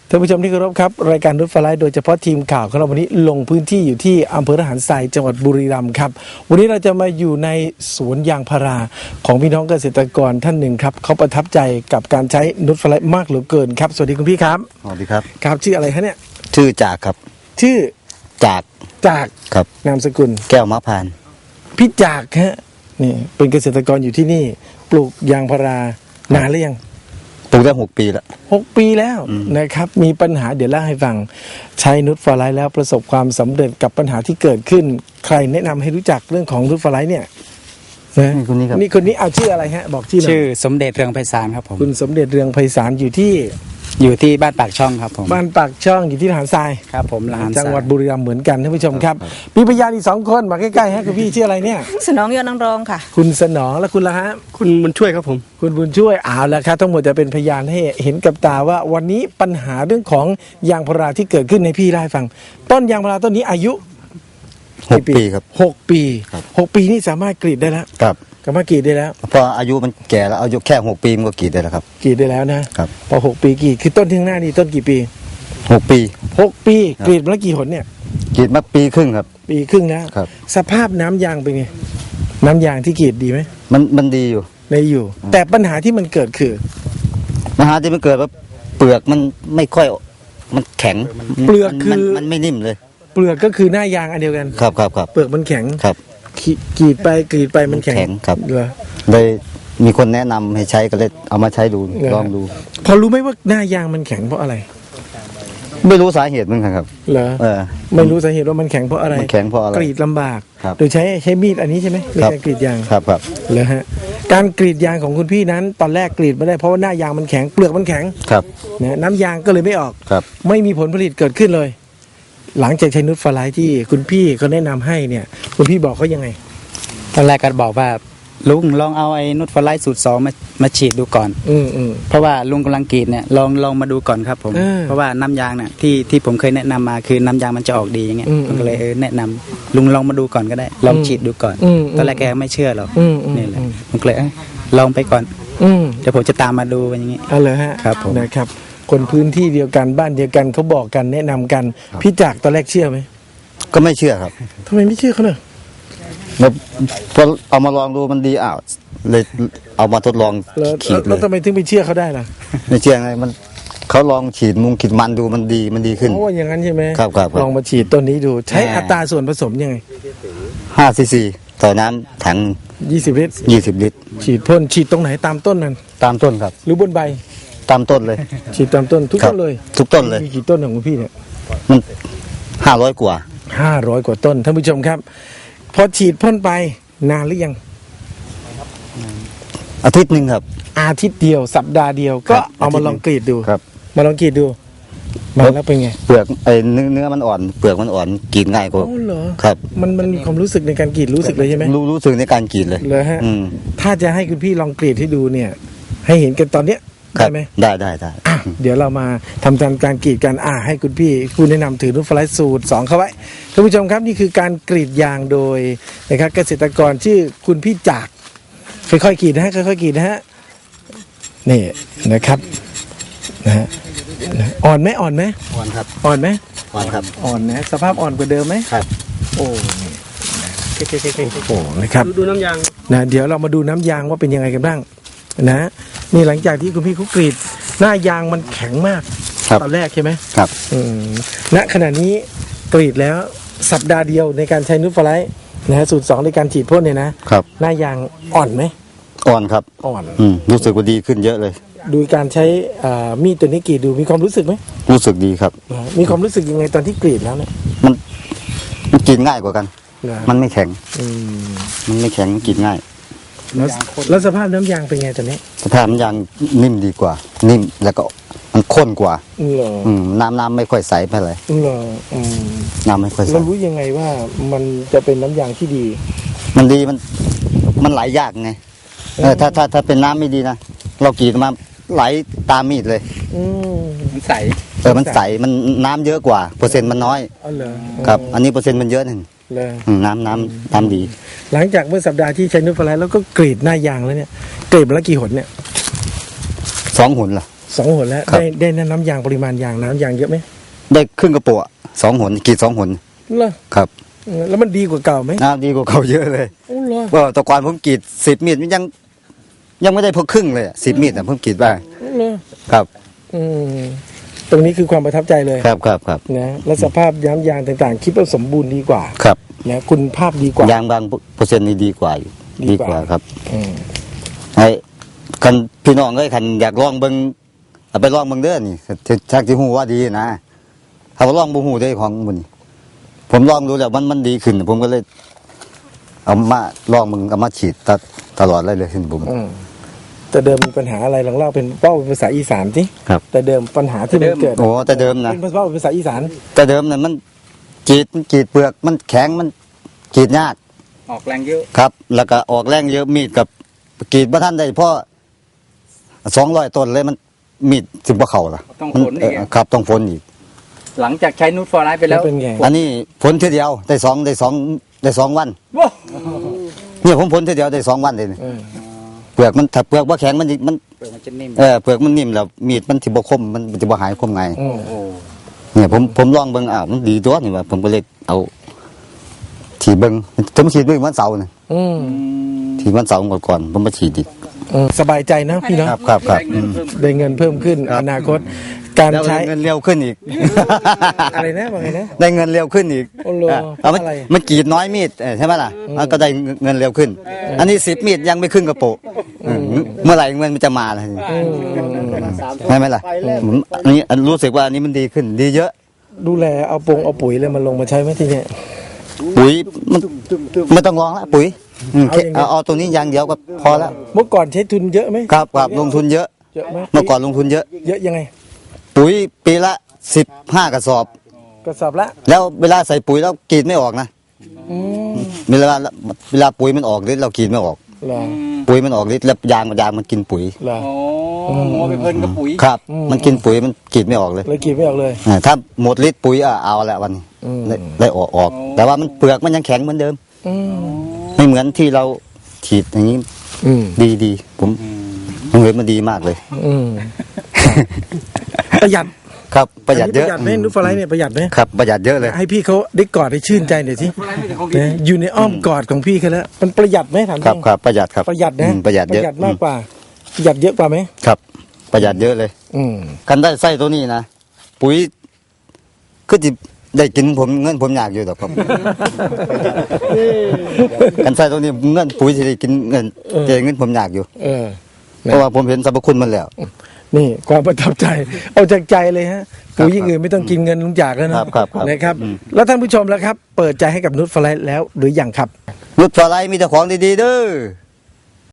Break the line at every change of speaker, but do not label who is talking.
ท่านผู้ชมที่เคารพครับรายการนุชฟลายโดยเฉพาะทีมข่าวของเราวันนี้ลงพื้นที่อยู่ที่อำเภอระหารทรายจังหวัดบุรีรัมย์ครับวันนี้เราจะมาอยู่ในสวนยางพาราของพี่น้องเกษตรกรท่านหนึ่งครับเขาประทับใจกับการใช้นุชฟลายมากเหลือเกินครับสวัสดีคุณพี่ครับ
สวัสดีครับ
ครับชื่ออะไรคะเนี่ย
ชื่อจากครับ
ชื่อ
จากครับ
นามสกุล
แก้วมะพร้าว
พี่จากฮะนี่เป็นเกษตรกรอยู่ที่นี่ปลูกยางพารานานหรือยัง
ปลูกได้6 ปีแล้ว
6 ปีแล้วนะครับมีปัญหาเดี๋ยวเล่าให้ฟังใช้นุชฟลายแล้วประสบความสำเร็จกับปัญหาที่เกิดขึ้นใครแนะนำให้รู้จักเรื่องของนุชฟลายเนี่ยนะ
คนนี้ครับ
นี่คนนี้เอาชื่ออะไรฮะบอก
ชื่อสมเด็จเรืองไพศาลครับผม
คุณสมเด็จเรืองไพศาลอยู่ที่
บ้านปากช่องครับผม
บ้านปากช่องอยู่ที่ระหารทราย
ครับผมระหารทราย
จังหวัดบุรีรัมย์เหมือนกันท่านผู้ชมครับมีพยานอีก2 คนมาใกล้ๆฮะคุณพี่ชื่ออะไรเนี่ย
สนองยอดนางรองค่ะ
คุณสนองและคุณละฮะ
คุณบุญช่วยครับผม
คุณบุญช่วยเอาละครับทั้งหมดจะเป็นพยานให้เห็นกับตาว่าวันนี้ปัญหาเรื่องของยางพาราที่เกิดขึ้นในพี่เล่าให้ฟังต้นยางพาราต้นนี้อายุ
6 ปีครับ
6 ปี6 ปีนี่สามารถกรีดได้แล้ว
ครับ
สามารถกรีดได้แล้ว
พออายุมันแก่แล้วอายุแค่6 ปีมันก็กรีดได้แล้วครับ
กรีดได้แล้วนะครับพอ6 ปีกรีดคือต้นที่ข้างหน้านี่ต้นกี่ปี
6 ปี
6 ปีกรีดมาแล้วกี่หนเนี่ย
กรีดมาปีครึ่งครับ
ปีครึ่งแล้ว
ครับ
สภาพน้ำยางเป็นไงน้ำยางที่กรีดดีไหม
มันดีอยู่
อยู่แต่ปัญหาที่มันเกิดคือ
ปัญหาที่มันเกิดว่าเปลือกมันไม่ค่อยมันแข็ง
เปลือกคือ
มันไม่นิ่มเลย
เปลือกก็คือหน้ายางอันเดียวกัน
ครับ
เปลือกมันแข็ง
ครับ
กรีดไปมันแข็ง
ครับ
เหรอ
เลยมีคนแนะนำให้ใช้ก็เลยเอามาใช้ดูลองดู
พอรู้ไหมว่าหน้ายางมันแข็งเพราะอะไร
ไม่รู้สาเหตุเหมือนกันครับ
เหรอไม่รู้สาเหตุว่ามันแข็งเพราะอะไร
มันแข็งเพราะอะไร
กรีดลำบากโดยใช้มีดอันนี้ใช่ไหมในการกรีดยาง
ครับ
เหรอฮะการกรีดยางของคุณพี่นั้นตอนแรกกรีดไม่ได้เพราะว่าหน้ายางมันแข็งเปลือกมันแข็ง
ครับ
นะน้ำยางก็เลยไม่ออก
ครับ
ไม่มีผลผลิตเกิดขึ้นเลยหลังจากใช้นุชฟลายที่คุณพี่เขาแนะนำให้เนี่ยคุณพี่บอกเขายังไง
ตอนแรกก็บอกว่าลุงลองเอาไอ้นุชฟลายสูตร 2มาฉีดดูก่อนเพราะว่าลุงกำลังกรีดเนี่ยลองมาดูก่อนครับผมเพราะว่าน้ำยางเนี่ยที่ผมเคยแนะนำมาคือน้ำยางมันจะออกดีอย่างเงี้ยผมก็เลยแนะนำลุงลองมาดูก่อนก็ได้ลองฉีดดูก่อนตอนแรกแกไม่เชื่อหรอกนี่แหละผมก็เลยลองไปก่อนเดี๋ยวผมจะตามมาดูอย่างงี้
เลยฮะ
ครับผม
นะครับคนพื้นที่เดียวกันบ้านเดียวกันเขาบอกกันแนะนำกันพี่จักรตอนแรกเชื่อไหม
ก็ไม่เชื่อครับ
ทำไมไม่เชื่อเขาเนี่ย
พอเอามาลองดูมันดีเลยเอามาทดลองฉีดเลย
แล้วทำไมถึงไปเชื่อเขาได้ล่ะ
ไม่เชื่อไงมันเขาลองฉีดขีดมันดูมันดีขึ้น
โอ้อย่างนั้นใช่ไหม
ครับ
ลองมาฉีดต้นนี้ดูใช้อัตราส่วนผสมยังไง
5 cc ต่อน้ำถัง
20 ลิตร
20 ลิตร
ฉีดพ่นฉีดตรงไหนตามต้นนั้น
ตามต้นครับ
หรือบนใบ
ตามต้นเลย
ฉีดตามต้นทุกต้นเลย
ทุกต้นเลย
มีกี่ต้นของคุณพี่เนี่ย
มัน500 กว่า
ต้นท่านผู้ชมครับพอฉีดพ่นไปนานหรือยัง
อาทิตย์หนึ่งครับ
อาทิตย์เดียวสัปดาห์เดียวก็เอามาลองกรีดดู
ครับ
มาลองกรีดดูมาแล้วเป็นไง
เปลือกเนื้อมันอ่อนเปลือกมันอ่อนกรีดง่ายกว่าครับ
มันมีความรู้สึกในการกรีดรู้สึกเลยใช่ไหม
รู้สึกในการกรีดเลย
เลยฮะถ้าจะให้คุณพี่ลองกรีดให้ดูเนี่ยให้เห็นกันตอนเนี้ยได้ไหม
ได้
เดี๋ยวเรามาทำการกรีดกันให้คุณพี่ผู้แนะนำถือนุชฟลายสูตร 2เข้าไว้ท่านผู้ชมครับนี่คือการกรีดยางโดยนะครับเกษตรกรชื่อคุณพี่จากค่อยๆกรีดนะฮะค่อยๆกรีดนะฮะนี่นะครับนะฮะอ่อนไหม
อ่อนครับ
อ่อนไหม
อ่อนครับ
อ่อนนะสภาพอ่อนกว่าเดิมไหม
ครับ
โอ้โหนะครับ
ดูน้ำยาง
นะเดี๋ยวเรามาดูน้ำยางว่าเป็นยังไงกันบ้างนะนี่หลังจากที่คุณพี่เขากรีดหน้ายางมันแข็งมากตอนแรกใช่ไหม
ครับ
ณขณะนี้กรีดแล้วสัปดาห์เดียวในการใช้นุชฟลายนะฮะสูตร 2ในการฉีดพ่นเนี่ยนะครับหน้ายางอ่อนไหม
อ่อนครับ
อ่อน
รู้สึกว่าดีขึ้นเยอะเลย
ดูการใช้มีดตัวนี้กรีดดูมีความรู้สึกไหม
รู้สึกดีครับ
มีความรู้สึกยังไงตอนที่กรีดแล้วเนี่ย
มันกรีดง่ายกว่ากันมันไม่แข็งมันไม่แข็งกรีดง่าย
แล้วสภาพน้ำยางเป็นไงตอนนี้
สภาพน้ำยางนิ่มดีกว่านิ่มแล้วก็มันข้นกว่าน้ำไม่ค่อยใสไปเลยน้ำไม่ค่อยใส
เรารู้ยังไงว่ามันจะเป็นน้ำยางที่ดี
มันดีมันไหลยากไงถ้าเป็นน้ำไม่ดีนะเรากรีดมาไหลตามมีดเลย
มันใส
มันใสมันน้ำเยอะกว่าเปอร์เซ็นต์มันน้อยครับอันนี้เปอร์เซ็นต์มันเยอะหนึ่งน้ำดี
หลังจากเมื่อสัปดาห์ที่ใช้นุชฟลายแล้วก็กรีดหน้ายางแล้วเนี่ยกรีดมาแล้วกี่หนเนี่ย
2 หนล่ะ
2 หนแล้ว
ครับ
ได้น้ำยางปริมาณยางน้ำยางเยอะไหม
ได้ครึ่งกระปุก2 หนกรีด2 หน
เหรอ
ครับ
แล้วมันดีกว่าเก่าไหม
น้ำดีกว่าเขาเยอะเลย
โอ้เหรอ
ก็แต่ก่อนผมกรีด10 มีดมันยังไม่ได้พอครึ่งเลย10 มีดแต่ผมกรีดบ้าง
โอ้เหรอ
ครับ
อืมตรงนี้คือความประทับใจเลย
ครับครับครับ
นะและสภาพย้ำยางต่างๆ คิดว่าสมบูรณ์ดีกว่า
ครับ
นะคุณภาพดีกว่าย
างบางเปอร์เซ็นต์นี่ดีกว่าอยู่
ดี
ดี
กว่า
กว่าครับ
อืม
ให้คันพี่น้องเอ้ยคันอยากลองเบิ่งเอาไปลองเบิ่งเด้อนี่ชักที่หูว่าดีนะถ้าว่าลองบ่หูได้ของมันนี่ผมลองดูแล้วมันดีขึ้น ผมก็เลย เอามาลองมึงเอามาฉีดตลอดเลยขึ้นผม
อืมแต่เดิมมีปัญหาอะไรลองเล่าเป็นเป้าเป็นภาษาอีสานสิ
ครับ
แต่เดิมปัญหาที่มันเกิด
โอ้แต่เดิมนะ
เป็นเป้าเป็นภาษาอีสาน
แต่เดิมน่ะมันกรีดเปลือกมันแข็งมันกรีดยาก
ออกแรงเยอะ
ครับ แล้วก็ออกแรงเยอะมีดกับกรีดบ่ทันได้เพราะ200 ต้นเลยมันมีดสิบ่เข้าล่ะ
ต้อง
มัน
ฝนอีก
ครับต้องฝนอีก
หลังจากใช้นูตฟอร์ไลท์ไปแล้ว
เป็นไง
อันนี้ผลทีเดียวได้2 วัน
ว้าว
เนี่ยผมผลทีเดียวได้2 วันเลยนี่
เออ
เปลือกมันถ้าเปลือกว่าแข็งมัน
เปลือกมันจะนิ่ม
เปลือกมันนิ่มแล้วมีดมันสิบ่คมมันสิบ่หายคมไง
อืม
โอ้
เนี่ยผมลองเบิ่งอ้าวมันดีตัวนี่ว่าผมก็เลยเอาฉีดเบิ่งผมฉีดเบิ่งวันเสาร์น่ะ
อืม
ฉีดวันเสาร์ก่อนผมมาฉีดอีก
สบายใจนะพี่เนาะ
ครับครับครับ
ได้เงินเพิ่ม
ได้เงินเพิ่มขึ้น
ครับ
อนาคต การ
แล้ว
ใช้
เงินเร็วขึ้นอีก
อะไรนะว่าไงนะ
ได้เงินเร็วขึ้นอีก
โอ้โห
เอามัน
เพราะอะไร
มันกรีดน้อยมีดใช่ไหมล่ะมันก็ได้เงินเร็วขึ้น อันนี้10 มีดยังไม่ครึ่งกระโปะเมื่อไหร่เงินมันจะมาล่ะใช่ไหมล่ะอันนี้รู้สึกว่าอันนี้มันดีขึ้น ดีเยอะ
ดูแลเอาปุ๋ยเลยมันลงมาใช้ไหมที่เนี่ย
ปุ๋ยมันไม่ต้องลองละปุ๋ย
เอาอย่างเดียว
เอาตัวนี้อย่างเดียวก็พอแล้ว
เมื่อก่อนใช้ทุนเยอะไหม
ครับครับลงทุนเยอะ
เยอะไหม
เมื่อก่อนลงทุนเยอะ
เยอะยังไง
ปุ๋ยปีละ15 กระสอบ
กระสอบละ
แล้วเวลาใส่ปุ๋ยแล้วกรีดไม่ออกนะ
อืม
เวลาปุ๋ยมันออกฤทธิ์เรากรีดไม่ออก
เหรอ
ปุ๋ยมันออกฤทธิ์แล้วยางมันกินปุ๋ย
เหรอ
โอ้ไปเพลินกับปุ๋ย
ครับ
อืม
มันกินปุ๋ยมันกรีดไม่ออกเลย
เลยกินไม่ออกเลย
ถ้าหมดฤทธิ์ปุ๋ยเอาละวันนี้
อืม
ได้ออก แต่ว่ามันเปลือกมันยังแข็งเหมือนเดิม
อืม
ไม่เหมือนที่เราฉีดอย่างนี้
อืม
ดีผมเห็นมันดีมากเลย
อืมประหยัด
ครับประหยัดเยอะ
ประหยัดไหมนูตฟลายเนี่ยประหยัดไหม
ครับประหยัดเยอะเลย
ให้พี่เขาได้กอดให้ชื่นใจหน่อยสินะอยู่ในอ้อมกอดของพี่เขาแล้วมันประหยัดไหมถามจ
ครับ
ริง
ครับประหยัดครับ
ประหยัดนะ
ประหยัดเยอะ
มากกว่าประหยัดเยอะกว่าไหม
ครับ ประหยัดเยอะเลย
อืม
กันได้ไส้ตัวนี้นะปุ๋ยคือจิได้กินผมเงินผมอยากอยู่ดอกครับ กันไส้ตัวนี้เงินปุ๋ยที่ได้กินเงินเงินผมอยากอยู่
เออ
เพราะว่าผมเห็นสรรพคุณมันแล้ว
นี่ความประทับใจ เอาจากใจเลยฮะปุ๋ยอย่างอื่นไม่ต้องกินเงินลุงจากแล้วนะครับ
ครับ
นะครับ แล้วท่านผู้ชมแล้วครับ เปิดใจให้กับนุชฟลายแล้วหรือยังครับ
นุชฟลายมีแต่ของดีๆเด้อ